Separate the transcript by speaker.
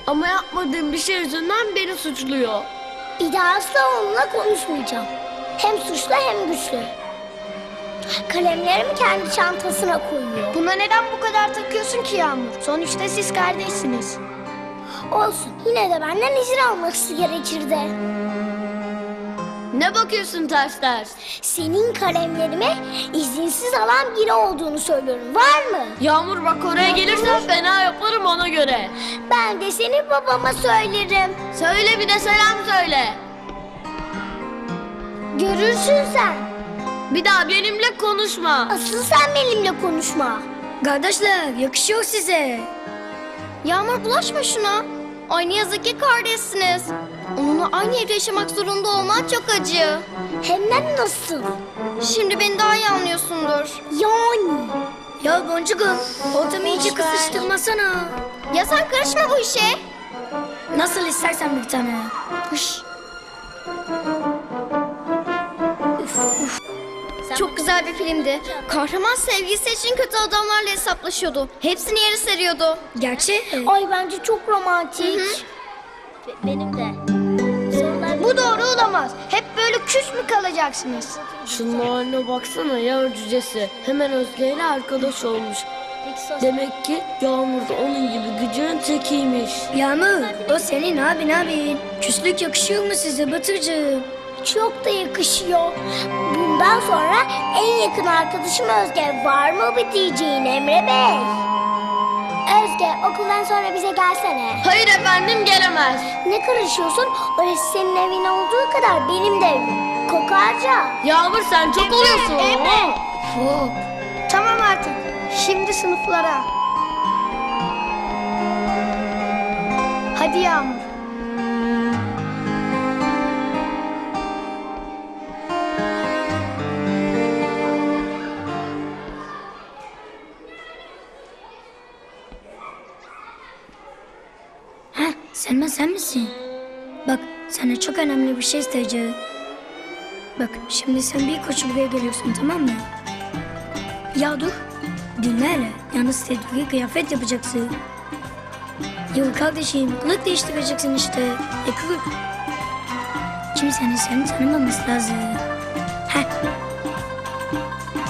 Speaker 1: Ama yapmadığım bir şey yüzünden beni suçluyor.
Speaker 2: Bir daha asla onunla konuşmayacağım. Hem suçlu hem güçlü. Kalemlerimi kendi çantasına koyuyor.
Speaker 3: Buna neden bu kadar takıyorsun ki Yağmur? Sonuçta siz kardeşsiniz.
Speaker 2: Olsun, yine de benden izin alması gerekirdi.
Speaker 1: Ne bakıyorsun ters ters?
Speaker 2: Senin kalemlerime izinsiz alan biri olduğunu söylüyorum. Var mı?
Speaker 1: Yağmur bak oraya gelirsen fena yaparım ona göre.
Speaker 2: Ben de senin babama söylerim.
Speaker 1: Söyle bir de selam söyle.
Speaker 2: Görürsün sen.
Speaker 1: Bir daha benimle konuşma.
Speaker 2: Asıl sen benimle konuşma.
Speaker 3: Kardeşler yakışıyor size. Yağmur bulaşma şuna. Ay ne yazık ki kardeşsiniz. Onunla aynı evde yaşamak zorunda olman çok acı.
Speaker 2: Hem de nasıl?
Speaker 3: Şimdi beni daha iyi anlıyorsundur.
Speaker 2: Yani.
Speaker 3: Ya Boncuğum, ortamı iyice kısıştırmasana. Ya sen karışma bu işe. Nasıl istersen bir tane. Hış. Çok güzel bir filmdi. Kahraman sevgilisi için kötü adamlarla hesaplaşıyordu. Hepsini yere seriyordu. Gerçi
Speaker 2: Ay bence çok romantik. Benim de.
Speaker 3: bu doğru olamaz. Hep böyle küs mü kalacaksınız?
Speaker 1: Şunun haline baksana ya cücesi. Hemen Özge ile arkadaş olmuş. Demek ki Yağmur da onun gibi gıcığın tekiymiş.
Speaker 3: Yağmur, o senin abin. Küslük yakışıyor mu size Batırcığım?
Speaker 2: Çok da yakışıyor. Bundan sonra en yakın arkadaşım Özge. Var mı bir diyeceğin Emre Bey? Özge, okuldan sonra bize gelsene.
Speaker 1: Hayır efendim gelemez.
Speaker 2: Ne karışıyorsun? Orası senin evin olduğu kadar benim de evim. Kokarca.
Speaker 1: Yağmur sen çok oluyorsun.
Speaker 3: Hop. Tamam artık. Şimdi sınıflara. Hadi Yağmur. Selma sen misin? Bak sana çok önemli bir şey isteyeceğim. Bak şimdi sen bir koşu buraya geliyorsun tamam mı? Ya dur. Dinle hele. Yalnız sevdiği kıyafet yapacaksın. Yok kardeşim kılık değiştireceksin işte. Kılık. Kimsenin seni tanımaması lazım. Heh.